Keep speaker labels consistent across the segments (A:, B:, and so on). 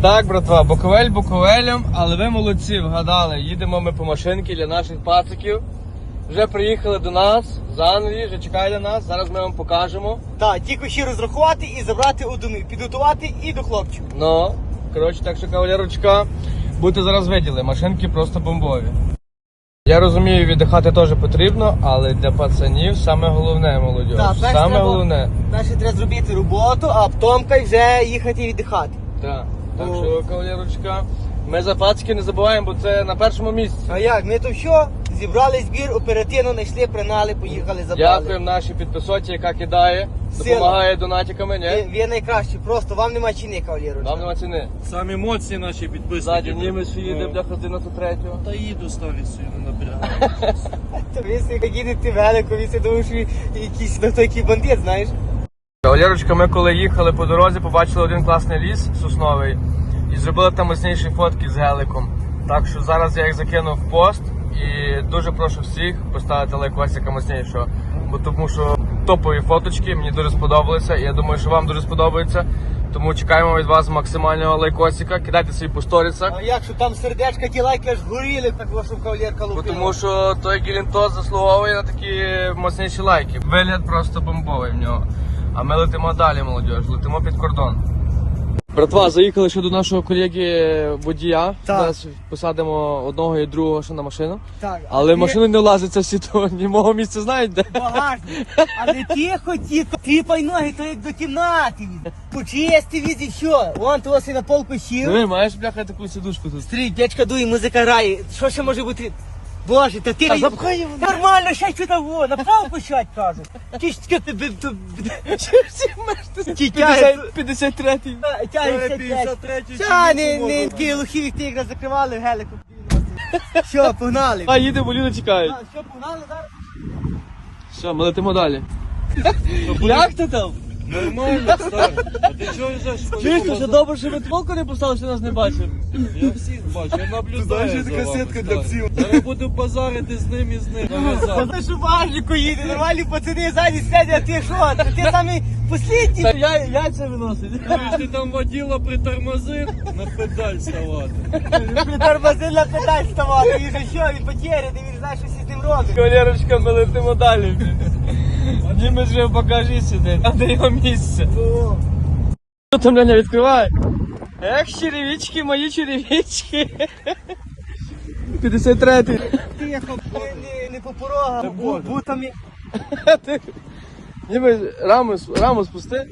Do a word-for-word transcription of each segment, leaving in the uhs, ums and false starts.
A: Так, братва, Буковель Буковелем, але ви молодці, вгадали. Їдемо ми по машинки для наших пациків. Вже приїхали до нас з Англії, вже чекають на нас, зараз ми вам покажемо.
B: Так, тільки ще розрахувати і забрати одну, підготувати і до хлопчиків.
A: Ну, коротше, так що, кавалерочка, будете зараз виділи, машинки просто бомбові. Я розумію, віддихати теж потрібно, але для пацанів саме головне, молодь.
B: Так, перше
A: Саме
B: треба-
A: головне.
B: Перше треба зробити роботу, а потім вже їхати віддихати.
A: Так, так
B: О.
A: що, кавалерочка, ми за пацики не забуваємо, бо це на першому місці.
B: А як? Ми то що? Зібрали збір, оперативно знайшли, пригнали, поїхали, забрали.
A: Дякуємо нашій підписоті, яка кидає,
B: Сила.
A: допомагає донатиками,
B: Ви,
A: ні?
B: ви найкращі, просто вам нема ціни, кавалерочка.
A: Нам нема ціни.
C: Самі емоції наші підписники.
A: Ззаді німець їде,
C: Ну.
A: бляха, дев'яносто третього.
C: Та їду старі сильно набираю.
B: То ви собі їдете велико, ви собі думаєте, що ви якийсь ну, той який бандит, знаєш?
A: Кавалерочка, ми коли їхали по дорозі, побачили один класний ліс сосновий і зробили там мощніші фотки з геликом. Так що зараз я їх закинув в пост і дуже прошу всіх поставити лайк Васіка мощнішого, бо тому що топові фоточки, мені дуже сподобалися і я думаю, що вам дуже сподобається. Тому чекаємо від вас максимального лайкосика, кидайте свої по сторісах.
B: А як, що там сердечка, ті лайки аж горіли, так вашу кавалерка
A: Бо
B: лупила.
A: тому що той Гелінтос заслуговує на такі мощніші лайки. Вигляд просто бомбовий в нього. А ми летимо далі, молодь, летимо під кордон. Братва, заїхали ще до нашого колеги водія.
B: Так.
A: Зараз посадимо одного і другого ще на машину.
B: Так,
A: Але
B: а
A: в машину не влазиться всі, то ні мого місця знають де.
B: багажник. Але тихо, тихо, типай ноги, то як до кімнати від. Почисти від і що? Вон того си на полку сів.
A: Диви, маєш, бляха, таку сидушку тут.
B: Стрій, дядька дує, музика грає. Що ще може бути? Боже, та ти
A: А запхай його.
B: нормально, ще сюди во, направо пущать, кажуть. Ті ж таке тебе ті тяги.
A: п'ятдесят третій.
B: Тяги
C: п'ятдесят третій.
B: Та не, не, такі лухі, як ти якраз закривали в гелику. Що, погнали?
A: А, їдемо, люди чекають.
B: А, Що, погнали зараз?
A: Все, ми летимо далі. Як ти там?
C: Нормально, старий. А ти чого йдеш?
A: Чуєш, що добре, що ви толку не поставили, що нас не бачив.
C: Я всіх бачу, я наблюдаю.
B: знаєш,
C: за
B: така
C: вами,
B: сітка для
C: старий.
B: псів.
C: Зараз буду базарити з ним і з ним. Нав'язав.
B: Ти що важнику їде, нормальні пацани ззаді сидять, а ти що? Та ти самий послідній.
A: Та я, я це виносить.
C: Чуєш, ти там воділа притормозив, на педаль ставати.
B: Притормозив на педаль ставати, він же що, він потеряний, він знає, що всі з ним робить.
A: Кавалерочка, ми летимо далі. Німець вже покажи сюди, а де його місце.
B: О,
A: Що там, Леня, відкривай? Ех, черевички, мої черевички. п'ятдесят третій.
B: Тихо, не, не, не по порогам, бу- бутами.
A: Німець, раму, раму спусти.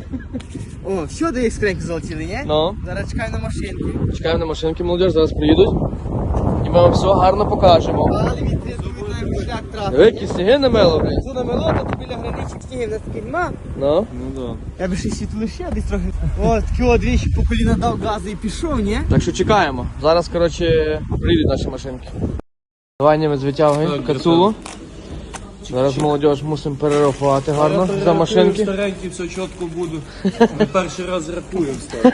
B: О, все, до їх скриньки залетіли, ні?
A: Ну.
B: Зараз чекай на машинку.
A: Чекаємо на машинки, молодіж, зараз приїдуть. І ми вам все гарно покажемо.
B: Але він ти думаєш, шлях трапив.
A: Диви, які сніги намело, блядь.
B: Тут намело, то біля граничок снігів, в нас таки нема.
A: Ну.
C: Ну да.
B: Я би ще світло ще десь трохи. О, такі от двічі по коліна дав газу і пішов, ні?
A: Так що чекаємо. Зараз, коротше, приїдуть наші машинки. Давай, Німець, витягуємо
C: Так,
A: кацулу. Зараз молодіж мусимо перерахувати гарно
C: Я
A: за машинки.
C: Старенький, все чітко буду. Ми перший раз рахуємо, старий.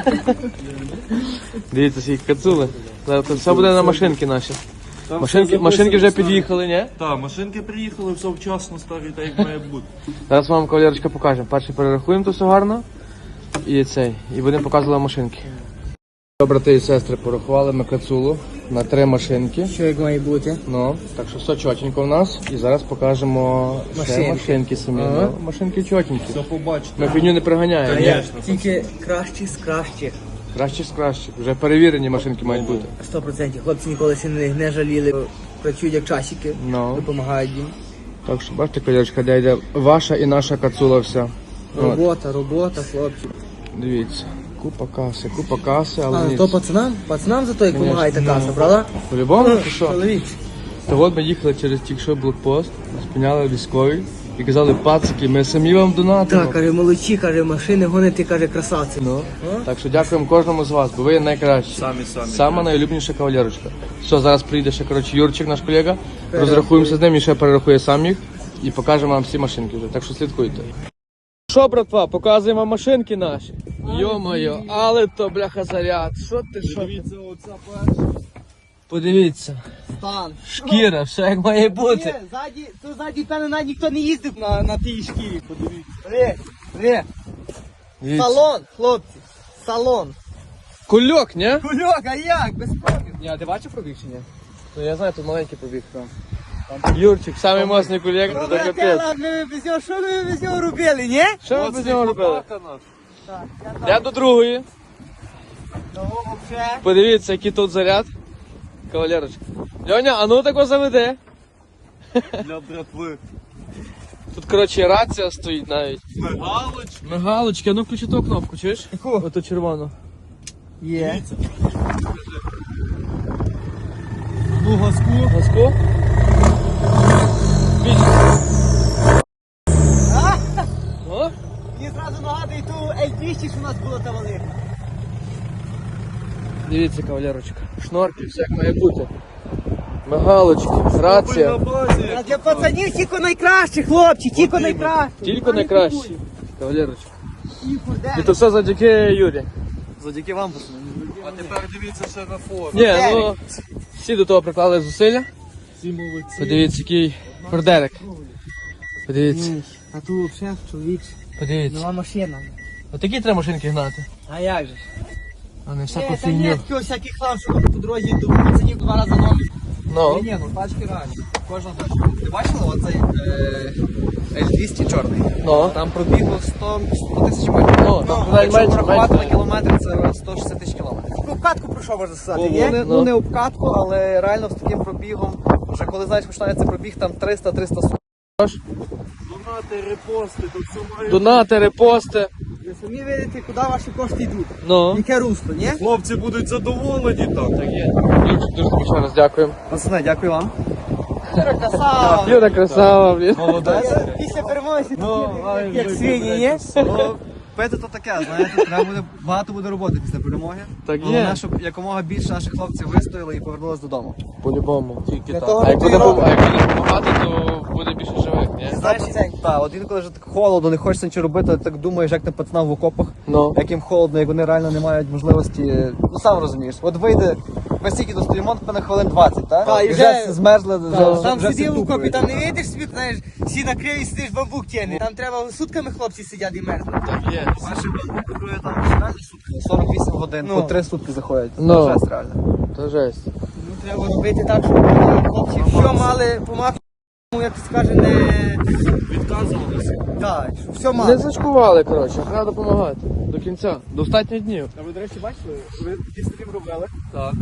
A: Дивіться, скільки кацули. Зараз це все буде на машинки наші.
C: Там
A: Машинки,
C: все
A: машинки вже
C: записано,
A: під'їхали, ні?
C: Так, машинки приїхали, все вчасно, старий, так як має бути.
A: Зараз вам кавалерочка покажемо. Перше перерахуємо то все гарно. І цей. І будемо показувати машинки. Брати і сестри, порахували ми кацулу на три машинки.
B: Що як має бути?
A: Ну, так що все чотенько в нас. І зараз покажемо ще
B: Машинки.
A: машинки самі.
B: Ага.
A: Ну, машинки чотенькі.
C: Все побачите.
A: Ми фігню не приганяємо. ні?
C: Конечно.
B: Тільки кращі з кращих.
A: Краще з кращих. Вже перевірені машинки мають бути.
B: Сто процентів. Хлопці ніколи ще не, не жаліли. Працюють як часики,
A: Ну.
B: допомагають їм.
A: Так що бачите, колячка, де йде ваша і наша кацула вся. От,
B: Робота, робота, хлопці.
A: дивіться. Купа каси, купа каси, але
B: А,
A: ні.
B: то пацанам? Пацанам за то, як
A: Конечно.
B: допомагає та каса, правда?
A: По-любому, ти що?
B: Чоловік.
A: Та от ми їхали через тільки що блокпост, спиняли військові і казали, пацики, ми самі вам донатимо.
B: Так, каже, молодці, каже, машини гоните, каже, красавці.
A: Ну, так що дякуємо кожному з вас, бо ви найкращі.
C: Самі, самі.
A: Сама найлюбніша кавалерочка. Все, зараз прийде ще, коротше, Юрчик, наш колега, розрахуємося з ним і ще перерахує сам їх і покажемо вам всі машинки вже, так що слідкуйте. Що, братва, показуємо вам машинки наші. Йо-моє, але то, бляха, заряд. Що ти, що ти?
C: Дивіться, оця перша.
A: Подивіться,
B: Стан.
A: шкіра, все як має бути.
B: Ні, ззаді, то ззаді, певно, навіть ніхто не їздив на, на тій шкірі, подивіться. Ре, ре.
A: Дивіться.
B: Салон, хлопці, салон.
A: Кульок, ні?
B: Кульок, а як? Без пробів.
C: Ні, а ти бачив пробіг чи ні?
A: Ну я знаю, тут маленький побіг. Юрчик, самий моцний кульок, це капець.
B: Брателла, ми без нього, що ми без нього робили, ні?
A: Що ви без нього робили?
B: Так, я там
A: Я до другої.
B: того вообще.
A: Подивіться, який тут заряд. Кавалерочка. Льоня, а ну тако заведе.
C: Для братви.
A: Тут, коротше, рація стоїть навіть.
C: Мигалочка.
A: Мигалочки, а ну включи ту кнопку, чуєш?
B: Яку?
A: Оту червону.
B: Є.
A: Ну, газку. Газку. Біч.
B: А?
A: О?
B: Мені зразу нагадує ту ель двісті, що у нас було там велика.
A: Дивіться, кавалерочка. Шнорки, все як має бути. Мигалочки, рація.
B: А для пацанів тільки найкраще, хлопці, тільки найкраще.
A: Тільки найкраще. Кавалерочка.
B: Тільки, де?
A: І то все завдяки Юрі.
C: Завдяки вам, пацани. А тепер дивіться ще на фото.
A: Ні, ну всі до того приклали зусилля.
C: Всі молодці.
A: Подивіться, який фордерик. Подивіться,
B: Ні, а тут взагалі, чоловік,
A: подивіться.
B: нова машина.
A: Отакі треба машинки гнати.
B: А як же?
A: А не
B: Ні,
A: всяку
B: та ні,
A: фігню.
B: такий всякий хлам, що по дорозі до пацанів два рази номер.
A: Ну,
C: Ні, ну тачки реальні. Кожна тачка. Ти бачила оцей ель двісті чорний?
A: ну,
C: Там пробігло сто тисяч метрів.
A: ну, там
C: Якщо
A: менше,
C: порахувати на
A: менше.
C: кілометри, це сто шістдесят тисяч кілометрів.
B: Таку обкатку пройшов, можна сказати,
C: Бо
B: є?
C: вони,
A: Ну.
C: ну не обкатку, але реально з таким пробігом, вже коли знаєш, починається пробіг, там триста триста сорок. Донати, репости, тут все має.
A: Донати, репости.
B: Ви самі видите, куди ваші кошти йдуть.
A: Ну.
B: Яке русло, ні?
C: Хлопці будуть задоволені так.
A: Так є. Юрчик, дуже тобі ще раз дякуємо.
C: Пацани, дякую вам.
B: Юра, красава.
A: Юра красава, блін.
C: Молодець.
B: Після перемоги
C: Ну,
B: такі, як свині, ні?
C: Ну, пити то таке, знаєте, треба буде, багато буде роботи після перемоги.
A: Так є.
C: Головне, щоб якомога більше наших хлопців вистояли і повернулись додому.
A: По-любому. Тільки
B: Для того
A: А як буде,
B: готуємо.
A: а як буде допомагати, то буде більше живих, ні?
C: Знаєш,
B: процентів.
C: так, от інколи вже так холодно, не хочеться нічого робити, так думаєш, як тим пацанам в окопах,
A: Ну.
C: як їм холодно, як вони реально не мають можливості, ну сам розумієш. От вийде, ми стільки достоїмо, на хвилин двадцять, так?
B: Та, і
C: і
B: вже-
C: вже змерзли, вже,
B: Там, там
C: вже всі
B: сидів у
C: тупають.
B: копі, там не видиш собі, знаєш, всі накрив і сидиш бамбук тягне. Там треба сутками хлопці сидять і мерзнуть.
A: Так є.
C: Наші банки крує там реально сутки, сорок вісім годин,
B: Ну.
C: по три сутки заходять.
A: Ну.
C: Це жесть реально.
A: То жесть.
B: Ну треба робити так, щоб хлопці все мали по максимуму, як скаже, не
C: Відказувалися.
B: так, щоб все
A: Не
B: мали.
A: зачкували, коротше, треба допомагати. До кінця. До останніх днів.
C: А ви, до речі, бачили? Ви такий стрім робили?
A: Так.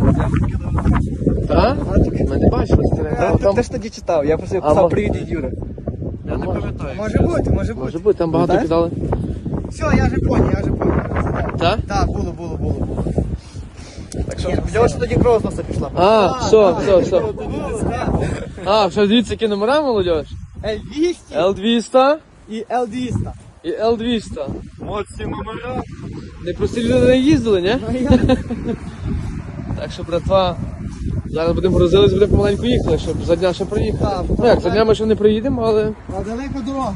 A: Так? Ми не бачили стріляти.
C: Там,
A: Там,
C: ти ж тоді читав, я просто
A: А,
C: писав
A: мо-
C: привіт від Юри. Я не
A: Може.
C: пам'ятаю.
B: Може бути, може бути.
A: може бути, там багато
C: Знаєш?
A: кидали.
B: Все, я вже поняв, я вже поняв.
A: Так?
B: Так, було, було, було, було.
C: Так що, сподіваюся, що тоді кров з носа пішла.
A: А, все, все, все.
B: Було, так.
A: А, вже дивіться, які номера, молодь?
B: ель двісті
A: Л двісті
B: і ел двісті.
A: і Л двісті.
C: Моцні номера.
A: Не прості люди не їздили, ні?
B: Ну, я-
A: Так що, братва, зараз будемо грузились, будемо помаленьку їхати, щоб за дня ще проїхати.
B: Так,
A: Ну як, за дня ми ще не приїдемо, але
B: А далека дорога.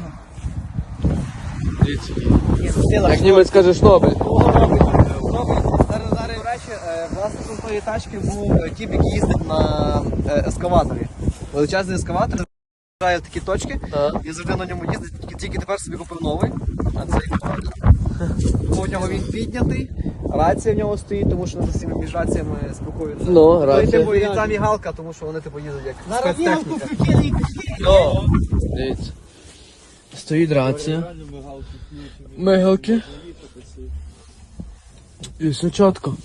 A: дивіться, як німець каже, шнобель.
C: Зараз, зараз, до речі, е, власником тої тачки був е, тіп, який їздить на е, ескаваторі. Величезний ескаватор, заїжджає в такі точки,
A: А.
C: і завжди на ньому їздить, тільки, тільки тепер собі купив новий. А цей Тому в нього він піднятий, рація в нього стоїть, тому що над усіма між раціями спілкуються.
A: Ну,
C: Ну, і,
A: рація.
C: типу, і там і галка, тому що вони типу їздять як
B: Зараз вілку
C: спецтехніка.
B: включили і пішли.
A: Ну, дивіться. Стоїть рація. Мигалки. І все чітко.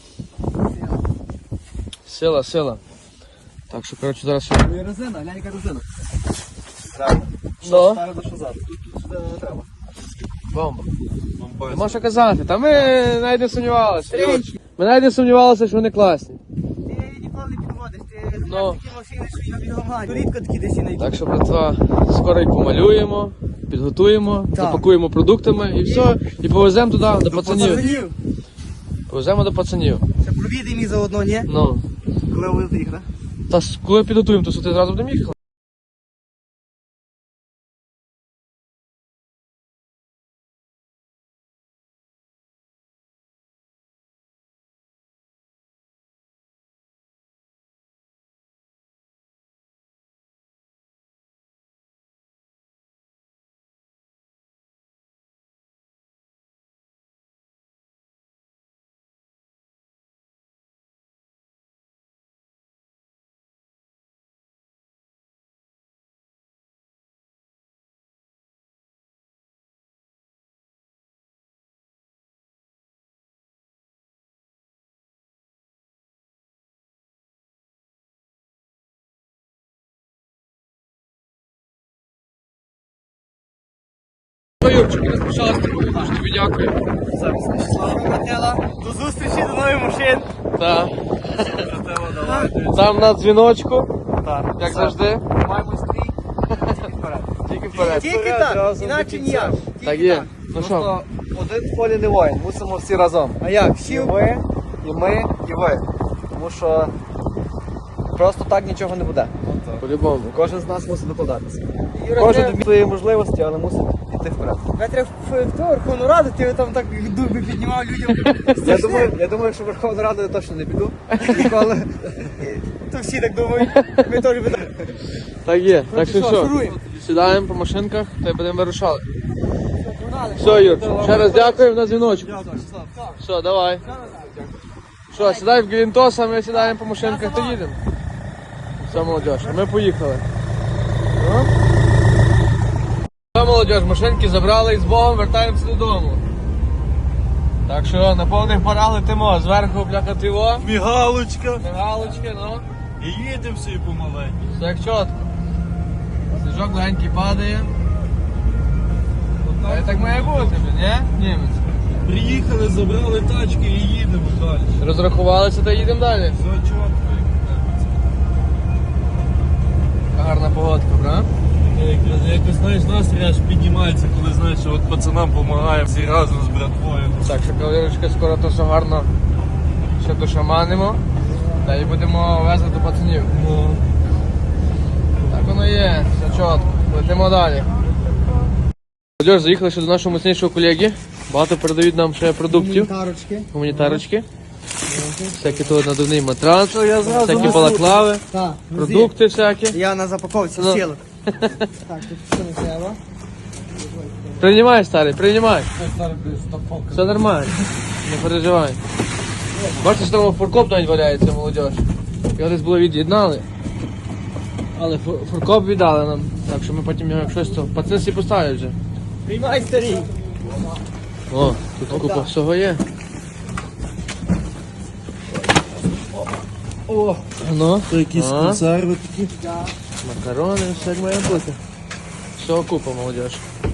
A: Сила, сила. Так що, коротше, зараз ще...
C: Ну і резина, глянь, яка резина. Реально.
A: Ну,
C: Спереду, що ззаду. Тут, тут сюди не треба.
A: бомба. Нема що казати, та ми навіть не сумнівалися. Юрчик. Ми навіть не сумнівалися, що вони класні.
B: Ти ніколи не підводиш, ти
A: Ну.
B: знаєш такі машини, що я бігомаю. Рідко такі десь і не
A: Так що, братва, скоро їх помалюємо, підготуємо,
B: Так.
A: запакуємо продуктами і все, і повеземо туди, до пацанів.
B: Пацанів.
A: Повеземо до пацанів.
B: Це провідемо і заодно, ні?
A: Ну,
C: Коли ви їх, да?
A: та с- коли підготуємо, то що ти зразу будемо їхати? що, Юрчик, не спішалась з тобою, дуже тобі дякую.
B: До зустрічі, до нових машин.
A: Так. Там на дзвіночку,
C: Так.
A: як завжди.
C: Маємо стрій.
A: Тільки вперед.
B: Тільки так, іначе ніяк.
A: Так
B: Тільки
A: є.
B: так.
A: Ну що,
C: Просто один в полі не воїн, мусимо всі разом.
B: А як?
C: І
B: Всі
C: ви, і ми, і ви. Тому що просто так нічого не буде.
A: по-любому.
C: Кожен з нас мусить докладатися.
B: Юра,
C: Кожен
B: треба-
C: до своєї можливості, але мусить йти вперед.
B: Я треба в, в ту Верховну Раду, ти там так дуби піднімав людям.
C: Я думаю, я думаю, що Верховну Раду я точно не піду. Ніколи.
B: То всі так думають. Ми теж будемо.
A: Так є. Так що
B: що,
A: що,
B: шуруємо?
A: сідаємо по машинках та й будемо вирушати. Все, Юр, ще раз дякуємо на дзвіночку. Все, давай. Що, сідай в Гелінтос, а ми сідаємо по машинках та їдемо. Все, молодіж, ми поїхали. Ну? Все, молодіж, машинки забрали і з Богом вертаємося додому. Так що на повних парах летимо, зверху бляха тиво,
D: Мігалочка.
A: мигалочки, ну.
D: І їдемо всі помаленьку.
A: Все як чітко. Сніжок легенький падає. Та й так має бути, блін, ні? Німець.
D: Приїхали, забрали тачки і їдемо далі.
A: Розрахувалися та їдемо далі.
D: Все чітко.
A: Гарна погодка, правда?
D: Якраз якось, знаєш, настрій аж піднімається, коли знаєш, що от пацанам допомагаємо всі разом з братвою.
A: Так, що кавалерочка, скоро то все гарно ще дошаманимо. Та й будемо везти до пацанів.
D: Ну,
A: Так воно є, все чітко. Летимо далі. Молодіж, заїхали ще до нашого міцнішого колеги. Багато передають нам ще продуктів.
B: Тарочки.
A: Гуманітарочки. Всякі тут надувний матрас,
D: я зразу
A: всякі
D: несу.
A: балаклави,
B: Так,
A: продукти всякі.
B: Я на запаковці
A: Ну.
B: сілок. Так, тут що не треба?
A: Приймай, старий, приймай. Все нормально, не переживай. Бачите, що там фуркоп навіть валяється, молодіж. Його десь було від'єднали. Але фу- фуркоп віддали нам. Так що ми потім його як щось то. Пацани всі поставлять вже.
B: Приймай, старий.
A: О, тут купа всього є.
B: О,
A: Ну,
D: то якісь
A: а,
D: консерви такі.
A: макарони, все як має бути. Всього купа, молодіж.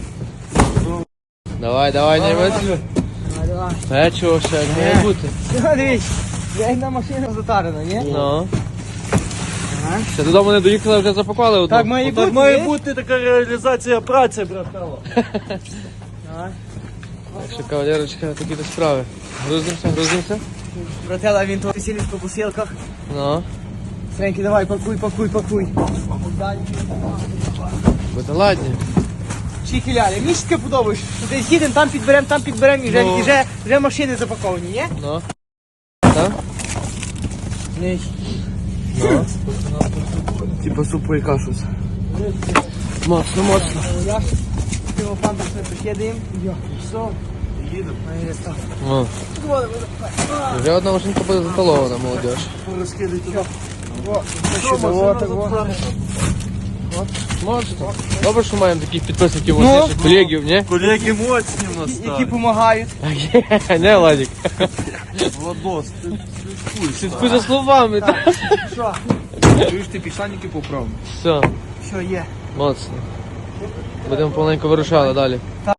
A: Давай, давай, німець.
B: давай, давай.
A: Печиво, все як має бути.
B: Все, дивись. Я на машину затарена, ні?
A: Ну.
B: Ага.
A: Ще додому не доїхали, вже запакували одну.
B: Так має бути,
D: Так має
B: ні?
D: бути така реалізація праці, братало.
B: Давай.
A: Так що, кавалерочка, такі то справи. Грузимося, грузимося.
B: Братела, він тут сілись по посилках.
A: Ну,
B: Среньки, давай, пакуй, пакуй, пакуй. Далі.
A: буде ладні.
B: Чіхіляли, мені таке подобається. що Десь їдемо, там підберемо, там підберемо і вже,
A: Ну.
B: і вже, вже машини запаковані, ні?
A: Ну. Так?
B: Ні.
A: Ну. Типа супу і кашу. Моцно, моцно.
B: Я ж цього панда все покидаємо. Йо, все.
D: Їдемо.
A: О. Вже одна машинка буде заталована, молодіж.
D: Розкидай туди.
B: Що,
D: машина
B: так, во.
D: затверджена?
A: Моцно. Добре, що маємо таких підписників,
B: Ну.
A: моцніших колегів, ні?
D: Колеги моцні в нас
B: Які
D: стали.
B: допомагають.
A: Не, Владик.
D: Владос, ти
A: Слідкуй за словами. так.
B: Що?
C: Чуєш, ти пішла ніки поправ.
A: Все,
B: Що є?
A: моцно. Будемо повненько вирушали далі.